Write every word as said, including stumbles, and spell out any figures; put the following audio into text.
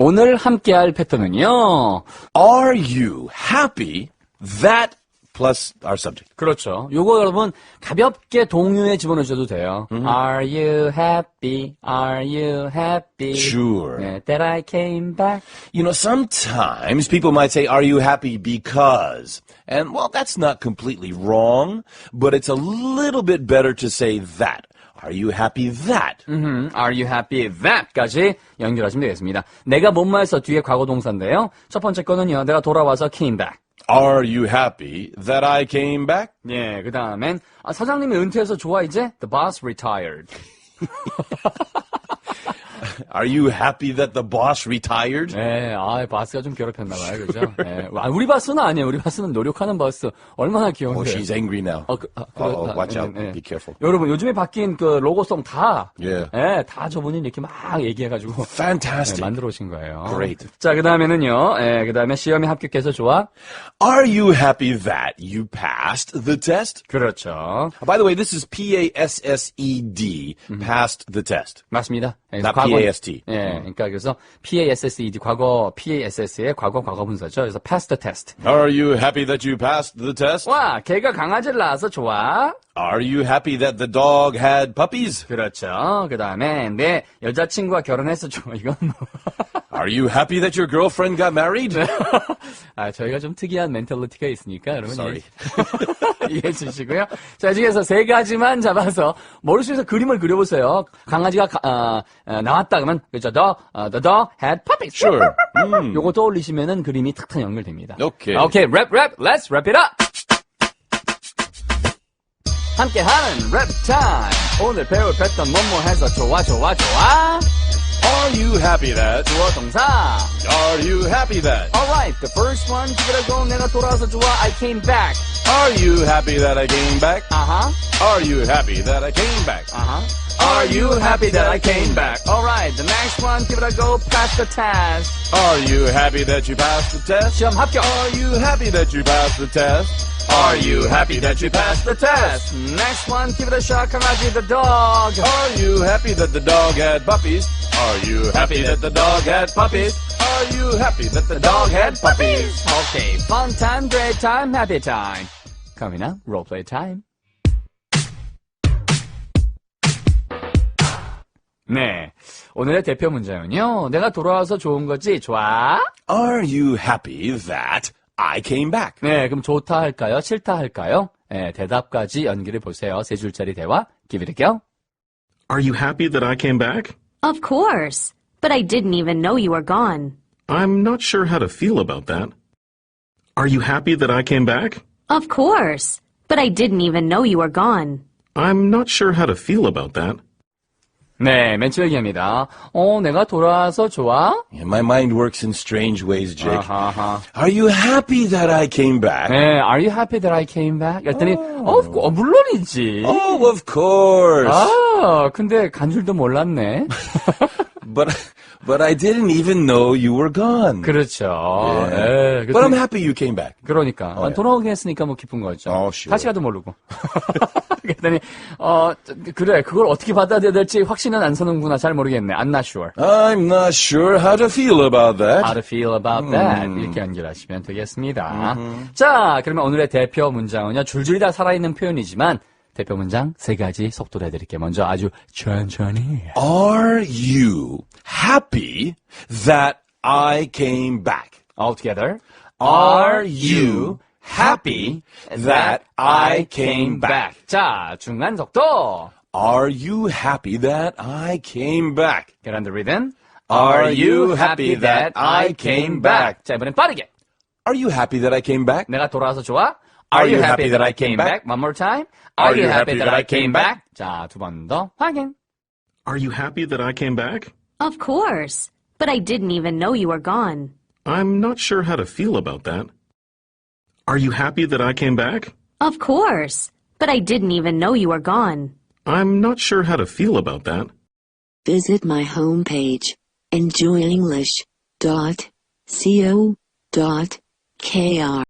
오늘 함께할 패턴은요. Are you happy that plus our subject? 그렇죠. 요거 여러분 가볍게 동요에 집어넣으셔도 돼요. Mm-hmm. Are you happy? Are you happy? Sure. 네, that I came back. You know, sometimes people might say, are you happy because? And, well, that's not completely wrong, but it's a little bit better to say that. Are you happy that? Mm-hmm. Are you happy that?까지 연결하시면 되겠습니다. 내가 뭔말해서 뒤에 과거 동사인데요. 첫 번째 거는요. 내가 돌아와서 came back. Are you happy that I came back? 예, 그 다음엔 아, 사장님이 은퇴해서 좋아 이제? The boss retired. Are you happy that the boss retired? 네, 아, 바스가 좀 괴롭혔나 봐요, 그죠? 네. 아, 우리 바스는 아니에요. 우리 바스는 노력하는 바스. 얼마나 귀여운데. Oh, she's angry now. 어, 그, 아, 그, Uh-oh, 아, watch 네, out. 네. Be careful. 여러분, 요즘에 바뀐 그 로고송 다, Yeah. 네, 다 저분이 이렇게 막 얘기해가지고. Fantastic. 네, 만들어 오신 거예요. Great. 자, 그 다음에는요, 네, 그 다음에 시험에 합격해서 좋아? Are you happy that you passed the test? 그렇죠. By the way, this is P A S S E D, passed the test. 맞습니다. 네, Not 과거, P A S T. 예, 그러니까 그래서 P A S S E D 과거 P A S S의 과거 과거 분사죠. 그래서 pass the test. Are you happy that you passed the test? 와, 걔가 강아지를 낳아서 좋아. Are you happy that the dog had puppies? 그렇죠. 그 다음에 내 여자친구와 결혼해서 좋아. 이건 뭐. Are you happy that your girlfriend got married? 아, 저희가 좀 특이한 멘탈리티가 있으니까 여러분 Sorry. 이해해 주시고요. 자, 중에서 세 가지만 잡아서 머릿속에서 그림을 그려보세요. 강아지가 가, 어, 어, 나왔다 그러면 그죠? The, uh, the dog had puppies. Sure. Mm. 요거 떠올리시면은 그림이 탁탁 연결됩니다. Okay. Okay, rap, rap. Let's wrap it up. 함께하는 랩 타임. 오늘 배울 패턴 뭐뭐 해서 좋아 좋아 좋아. Are you happy that? 주어 동사. Are you happy that? Alright, the first one. 그래도 내가 돌아와서 좋아. I came back. Are you happy that I came back? Uh-huh. Are you happy that I came back? Uh-huh. Are you happy that I came back? Alright, the next one. give it a go. Pass the test. Are you happy that you passed the test? 시험 합격. Are you happy that you passed the test? Are you happy that you passed the test? Next one. give it a shot. 강아지 the dog. Are you happy that the dog had puppies? Are you happy that the dog had puppies? Are you happy that the dog had puppies? Okay, fun time, great time, happy time. Coming up, role play time. 네, 오늘의 대표 문장은요. 내가 돌아와서 좋은 거지, 좋아? Are you happy that I came back? 네, 그럼 좋다 할까요? 싫다 할까요? 네, 대답까지 연결해 보세요. 세 줄짜리 대화. Give it a go. Are you happy that I came back? Of course. But I didn't even know you were gone. I'm not sure how to feel about that. Are you happy that I came back? Of course. But I didn't even know you were gone. I'm not sure how to feel about that. 네, 맨 처음 얘기합니다. 어, 내가 돌아와서 좋아? Yeah, my mind works in strange ways, Jake. 아하하. Are you happy that I came back? 네, are you happy that I came back? 그랬더니, 어, 어, 물론이지. Oh, of course. 아, 근데 간 줄도 몰랐네. But but I didn't even know you were gone. 그렇죠. Yeah. 예, But I'm happy you came back. 그러니까 어, 예. 돌아오긴 했으니까 뭐 기쁜 거죠. 어, sure. 다시 가도 모르고. 그랬더니 어 그래 그걸 어떻게 받아들여야 될지 확신은 안 서는구나. 잘 모르겠네. I'm not sure. I'm not sure how to feel about that. How to feel about that 이렇게 연결하시면 되겠습니다. 자, 그러면 오늘의 대표 문장은요. 줄줄이 다 살아있는 표현이지만 대표 문장 세 가지 속도로 해드릴게요. 먼저 아주 천천히. Are you happy that I came back? All together. Are you happy that I came back? 자, 중간 속도. Are you happy that I came back? Get on the rhythm. Are you happy that I came back? 자, 이번엔 빠르게. Are you happy that I came back? 내가 돌아와서 좋아? Are you happy that I came back? One more time. Are you happy that I came back? 자, 두 번 더 확인. Are you happy that I came back? Of course. But I didn't even know you were gone. I'm not sure how to feel about that. Are you happy that I came back? Of course. But I didn't even know you were gone. I'm not sure how to feel about that. Visit my homepage, enjoy english dot co dot k r